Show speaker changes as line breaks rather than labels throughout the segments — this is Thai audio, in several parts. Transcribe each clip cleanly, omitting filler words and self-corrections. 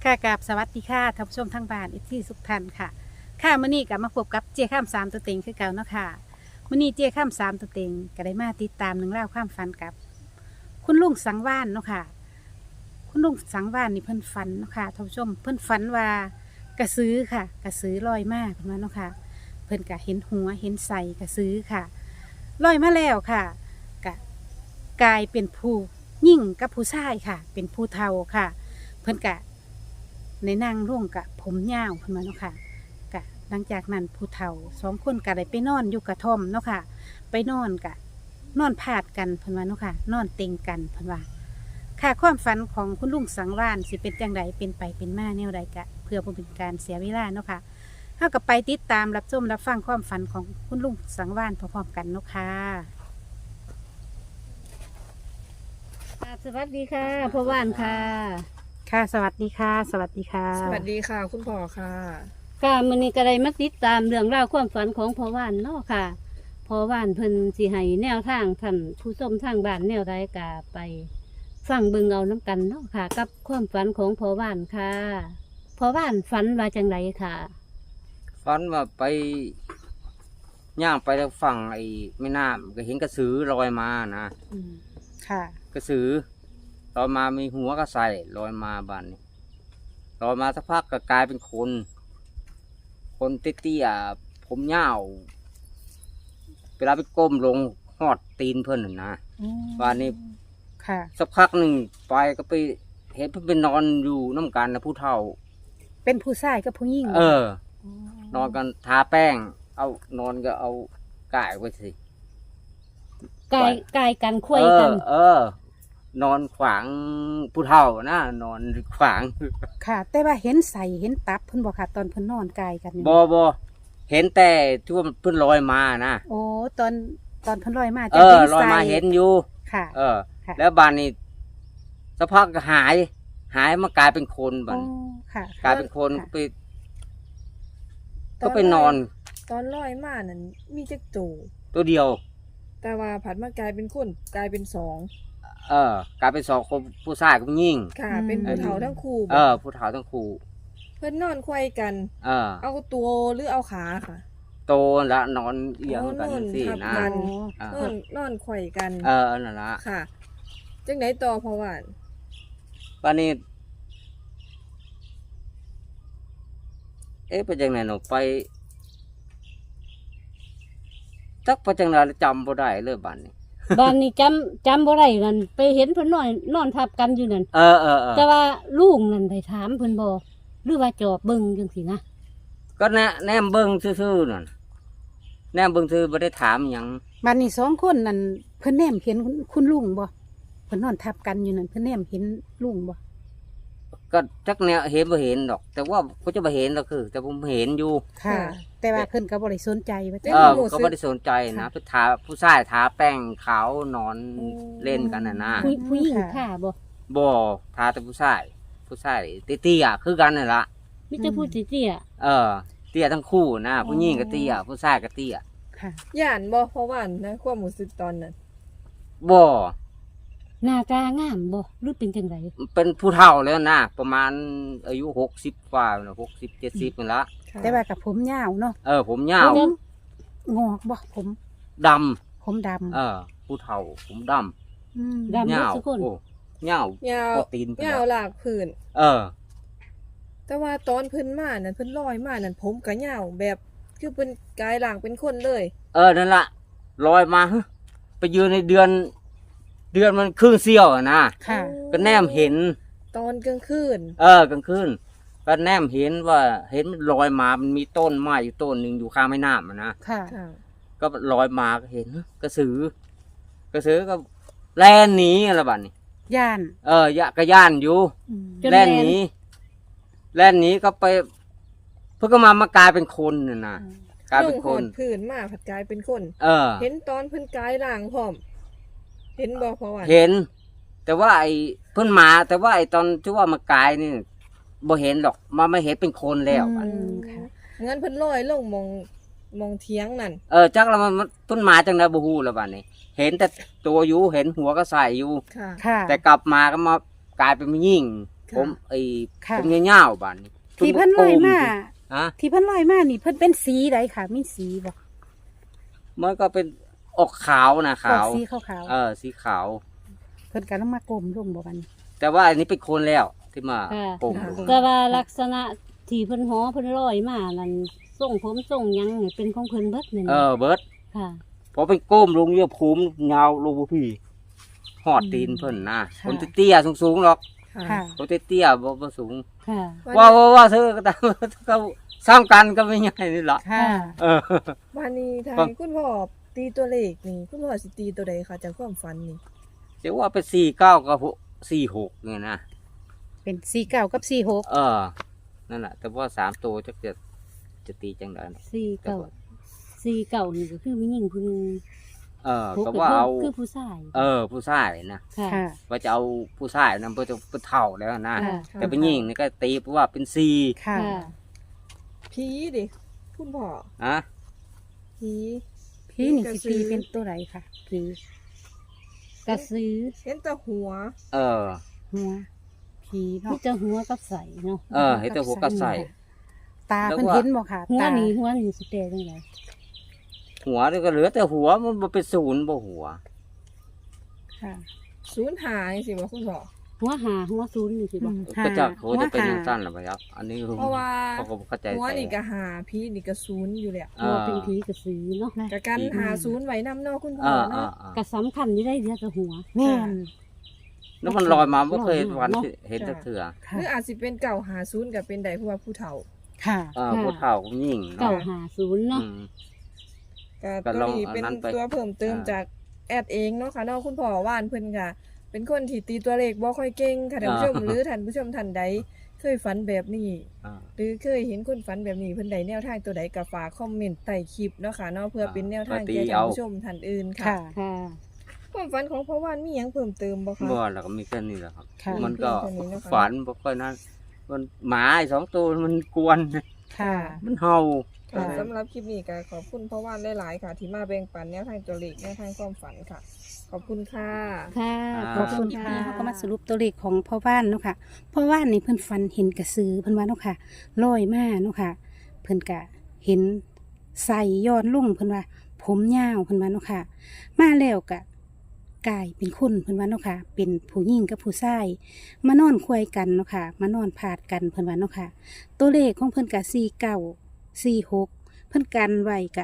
ค่ะกับสวัสดีค่ะท่านผู้ชมทางบ้านอีกที่สุขทันค่ะค่ะมื้อนี้กลับมาพบกับเจ้าข้ามสามตัวเต็งคือเก่าเนาะค่ะมื้อนี้เจ้าข้ามสามตัวเต็งก็ได้มาติดตามหนึ่องเล่าวความฝันกับ คุณลุงสังวานเนาะค่ะคุณลุงสังวานนี่เพิ่นฝันเนาะค่ะท่านผู้ชมเพิ่นฝันว่ากระสือค่ะกระสือลอยมาเพิ่นว่าเนาะค่ะเพิ่นก็เห็นหัวเห็นใส่กระสือค่ะลอยมาแล้วค่ะก็กลายเป็นผู้ยิ่งกับผู้ชายค่ะ เป็นผู้เฒ่าค่ะ เพิ่นกะในนางร่วงกะผมยาวเพิ่นมาเนาะค่ะกะหลังจากนั้นผู้เฒ่าสองคนกะได้ไปนอนอยู่กระท่อมเนาะค่ะ ไปนอนกะนอนพาดกันเพิ่นว่าเนาะค่ะ นอนเต็งกันเพิ่นว่า ค่ะความฝันของคุณลุงสังวานสิเป็นจังใดเป็นไปเป็นมาแนวใดกะ เพื่อบ่เป็นการเสียเวลาเนาะค่ะเฮาก็ไปติดตามรับชมรับฟังความฝันของคุณลุงสังวานพร้อมๆกันเนาะค่ะสวัสดีค่ะพ่อว่านค่ะ ค่ะสวัสดีค่ะ สวัสดีค่ะ
สวัสดีค่ะ คุณพ่อค่ะ
ค่ะมื้อนี้ก็ได้มาติดตามเรื่องราวความฝันของพ่อว่านเนาะค่ะพ่อว่านเพิ่นสิให้แนวทางท่านผู้ชมทางบ้านแนวใดก็ไปฟังเบิ่งเอานํกันเนาะค่ะ กับความฝันของพ่อว่านค่ะพ่อว่านฝันว่าจังไดค่ะ
ฝันว่าไปย่างไปทางฝั่งไอ้แม่น้ำก็เห็นกระสือลอยมานะ
ค่ะ
กระสือลอยมามีหัวก็ใส่ลอยมาบ้านนี้ลอยมาสักพักก็กลายเป็นคน คนเตี้ยๆผมยาวเวลาไปก้มลงหอดตีนเพื่อนน่ะนะ บ้านนี้
ค่ะ
สักพักหนึ่งไปก็ไปเห็นเพื่อนไปนอนอยู่น้ำกันนะผู้เฒ่า
เป็นผู้ชายกับผู้หญิง
นอนกันทาแป้ง เอานอนก็เอากายไว้สิ
กายกันคุยกัน
นอนขวางผู้เฒ่านะนอนขวาง
ค่ะ แต่ว่าเห็นใส่เห็นตับเพิ่นบอกค่ะ ตอนเพิ่นนอนกายกันนี่
บเห็นแต่ที่ว่าเพิ่นลอยมานะ
โอ้ตอนเพิ่นลอยมา
ลอยมาเห็นอยู่
ค่ะ ค่ะ
แล้วบานนี้สักพักก็หายมากลายเป็นคนบัด
โอ้
นี้
ค่ะ
กลายเป็นคน
ค่ะ
ก็ไปนอน
ตอนลอยมานั้นมีจักตู
ตัวเดียว
แต่ว่าผัดมากลายเป็นคนกลายเป็นสอง
กลายเป็นสองคนผู้ชายกับผู้หญิง
ค่ะ เป็นผู้เฒ่าทั้งคู่
ผู้เฒ่าทั้งคู่
เพิ่นนอนควายกัน เอาตัวหรือเอาขาค่ะ
โตละนอนเอียงกันสิ
ทับ
นะ
กัน
อ่า
นอนควายกัน
นั่นละ
ค่ะ จังไหนต่อเพราะว่า
วันนี้ไปจังไหนหนูไปจักไปจังไหนจำบ่ได้เลยบัดนี้
บ้านนี้จำบ่ได้นั่นไปเห็นเพิ่นนอนทับกันอยู่นั่น
เออ
แต่ว่าลุงนั่นได้ถามเพิ่นบ่หรือว่าจอบเบิ่งจังซี่นะ
ก็แนมเบิ่งซื่อๆนั่นแนมเบิ่งซื่อบ่ได้ถามหยัง
บัดนี้สองคนนั่นเพิ่นแนมเห็นคุณลุงบ่เพิ่นนอนทับกันอยู่นั่นเพิ่นแนมเห็นลุงบ่
ก็จักแนวเห็นบ่เห็นดอก แต่ว่าเขาจะบ่เห็นก็คือ แต่ผมเห็นอยู่
ค่ะ แต่ว่าเพิ่นก็บ่ได้สนใจว่า
ก็บ่ได้สนใจนะไปทาผู้ชายทาแป้งขาวนอนเล่นกันน่ะนะ
ผู้หญิงค่ะบ่
บ่ทาแต่ผู้ชายเตี้ยๆคือกันนั่นล่ะ
มีแต่ผู้เตี้ย
เตี้ยทั้งคู่นะผู้หญิงก็เตี้ยผู้ชายก็เตี้ย
ค่ะ
ย่านบ่เพราะว่านะความรู้สึกตอนนั้น
บ่
หน้าตางามบ่หรือเป็นจังได
เป็นผู้เฒ่าแล้วนะประมาณอายุ60กว่าน่ะ60 70นั่นละ
ค่ะ
แต่ว่ากับผมยาวเนาะ
ผมยาว
งอกบ่ผม
ด
ผมดำ
ำผู้เฒ่าผมดำ
อืม
ดำ
ยาว
ทุกคน
โอ้ยาวย
าว
พอตีนไป
ยาว
แล้ว
หลากพื้น
เออ
แต่ว่าตอนเพิ่นมานั่นเพิ่นลอยมานั่นผมก็ยาวแบบคือเป็นกายหลังเป็นคนเลย
นั่นละลอยมาไปยืนในเดือนมันครึ่งเสี้ยวอะนะ
ค่ะ
ก็แนมเห็น
ตอนกลางคืน
กลางคืนก็แนมเห็นว่าเห็นมันลอยมามันมีต้นไม้อยู่ต้นหนึ่งอยู่ข้างแม่น้ำอะนะ
ค่ะ
ค่ะ
ก็ลอยมาก็เห็นกระสือก็แล่นหนีอะไรบ้านี้
ย่าน
ก็ย่านอยู่
อืม
จน
แล่นหนีก็ไป เพื่อก็มากลายเป็นคนน่ะนะกลายเป็นคน
ลงหอดพื้นมาผัดกลายเป็นคน เห็นตอนเพิ่นกายหลังพร้อม เห็นบ่เพราะว่า
เห็น แต่ว่าไอ้เพิ่นมาแต่ว่าไอ้ตอนที่ว่ามากายนี่บ่เห็นหรอกมาไม่เห็นเป็นคนแล้ว
อืมค่ะ
เงินเพิ่นลอยลงมองเทียงนั่น
จักแล้วมันเพิ่นมาจังได๋บ่ฮู้แล้วบัดนี้ เห็นแต่ตัวอยู่เห็นหัวก็ใส่อยู่
ค่ะ
ค่ะ
แต่กลับมาก็มากลายเป็นผู้หญิงผมไอ้
ค่ะ
ผมยาวๆบ้านนี้
ที่เพิ่นลอยมา
ฮะ
ที่เพิ่นลอยมานี่เพิ่นเป็นสีใดค่ะมีสีบ่
มันก็เป็นออกขาวนะ
ออ
ขาก ว
สีขาว
สีขาว
ๆเพิ่นก็ลงมากลมลงบ่บัดนี้
แต่ว่าอันนี้เป็นคนแล้วที่มา
ค่ะ
โป่งลง
แต่ว่าลักษณะที่เพิ่นหอเพิ่นลอยมานั่นทรงผมทรงหยังนี่เป็นของเพิ่นเบิดนี่
เบิร์ด
ค่ะ
พอเป็นก้มลงเยอะภูมิยาวลงบ่พี่หอดตีนเพิ่นนะคนเตี้ยๆสูงๆหรอก
ค่ะ
คนเตี้ยๆบ่สูง
ค่ะ
ว่าเธอก็ตามเขาซ้ำกันก็ไม่ใหญ่นี่ล่ะ
ค่ะ
เออ
วันนี้ทา
ฟั
ง
ง
คุณพ่อตีตัวเลขนี่คุณพ่อสิตีตัวใดคะจากความฝันนี่
เดี๋ยวว่าเป็น49กับ46เนี่ยนะ
เป็นสีเก่ากับสีหก
นั่นแหละแต่ว่า3ตัวจะตีจังได๋
49นี่ก็คือมีหญิงผู้หนึง
ก็ว่าเอา
คือผู้ชาย
ผู้ชายนะ
ค่ะ
ค่ะ
ว่าจะเอาผู้ชายนำไปเป็นเท่าแล้วนะ
ค่ะ
แต่เป็นหญิงนี่ก็ตีเพราะว่าเป็น4
ค่ะ
ค่ะ
ผีดิคุณพ่อ
ฮะ
ผี
พี่นี่สิตีเป็นตัวไหนค่ะพี่
กระสือ
เห็นแต่หัว
เออ
หัวผี
มี
เนาะ
แต่หัวกับใสเนาะ
เห็นแต่หัวก็ใส่
ตาเพิ่นเห็นบ่ค่ะ
หัว
ตา
นี่สิแปลจังได
หัวนี่ก็เหลือแต่หัวมันบ่เป็นศูนย์บ่หัว
ค่ะ
ศูนย์หายสิบ่คุณพ่อ
หัวหาหัวศูนย์นี่สิบ่
ก็จะเขาจะเป็นอย่างสั้นหรือเปล่าครับอันนี้
เพราะว่า
เขาก็บ่เข้าใจ
หัว
ใส่
นี่ก็หาผีนี่ก็ศูนย์อยู่แล้ว
หัวเป็นผีกระสือเนาะ
กะกันหาศูนย์ไว้นำเนาะคุณพ่อเนาะ
ก็สำคัญอยู่ได้เดียวกับหัว
แม่น
แล้วมันลอยมาไม่เคย
ลอยมา
วัน
เนอะ
เห็นสักเถื่อ
ห
ค่ะ
รืออาจสิเป็นเก่าหาศูนย์ก็เป็นได้เพราะว่าผู้เฒ่า
ค่ะ
ผู้เฒ่ายิ่ง
เก่า
เนาะ
หาศูนย์เนาะ
อืม
ก็
ก็
ตัว
ลอง
นี้
อัน
เป็น
นั้นไป
ตัวเพิ่มเติมจากแอดเองเนาะค่ะเนาะคุณพ่อว่านเพิ่นก็เป็นคนที่ตีตัวเลขบ่ค่อยเก่งค่ะท่านผู้ชม หรือท่านผู้ชมท่านใดเคยฝันแบบนี้
อ่า
หรือเคยเห็นคนฝันแบบนี้เพิ่นใดแนวทางตัวใดก็ฝากคอมเมนต์ใต้คลิปเนาะค่ะเนาะเพื่อเป็นแนวทางแก่ท่านผู้ชมท่านอื่นค่ะ
ค่ะ
ค่ะ
ความฝันของพ่อว่านมีหยังเพิ่มเติมบ่คะ
บ่แล้วก็มีแค่นี้แหละครับ
ค่ะ
มันก็
มีแค่นี้นะคะ
ฝันบ่ค่อยนั้นมันหมาไอ้2ตัวมันกวน
ค่ะ
มันเห่า
ค่ะ
ค่ะ
สำหรับคลิปนี้ก็ขอบคุณพ่อว่านหลายๆค่ะ ที่มาแบ่งปันแนวทางตัวเลขแนวทางความฝันค่ะ ขอบคุณค่ะ
ค่ะ
ขอบคุณค่ะเขาก็มาสรุปตัวเลขของพ่อว่านเนาะค่ะพ่อว่านนี่เพิ่นฝันเห็นกระสือเพิ่นว่าเนาะค่ะลอยมาเนาะค่ะ เพิ่นกะเห็นใส่ย้อนลุ่งเพิ่นว่า ผมยาวเพิ่นว่าเนาะค่ะ มาแล้วกะกลายเป็นคนเพิ่นว่าเนาะค่ะ เป็นผู้หญิงกับผู้ชายมานอนคุยกันเนาะค่ะ มานอนพาดกันเพิ่นว่าเนาะค่ะ ตัวเลขของเพิ่นกะ4946เพิ่นกันไว้กะ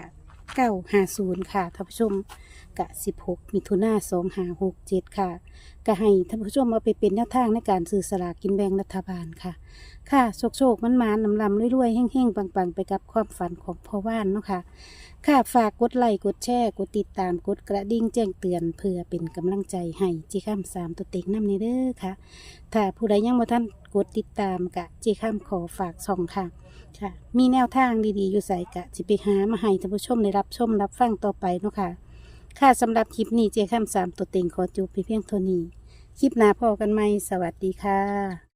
950ค่ะท่านผู้ชม กะ16 มิถุนายน2567ค่ะก็ให้ท่านผู้ชมเอาไปเป็นแนวทางในการซื้อสลากกินแบ่งรัฐบาลค่ะ ค่ะโชคมันๆนำลำรวยๆแห้งๆปังๆ ไปกับความฝันของพ่อว่านเนาะค่ะ ค่ะฝากกดไลค์กดแชร์กดติดตามกดกระดิ่งแจ้งเตือนเพื่อเป็นกำลังใจให้จีข้าม3ตัวเต็งนำในเด้อค่ะ ถ้าผู้ใดยังบ่ทันกดติดตามกะจีข้ามขอฝากช่องค่ะ ค่ะ มีแนวทางดีๆอยู่ใส่กะจิไปหามาให้ท่านผู้ชมได้รับชมรับฟังต่อไปเนาะค่ะ ค่ะสำหรับคลิปนี้เจาข้าม3ตัวเต็งขอจบเพียงเท่านี้ คลิปหน้าพอกันไหมสวัสดีค่ะ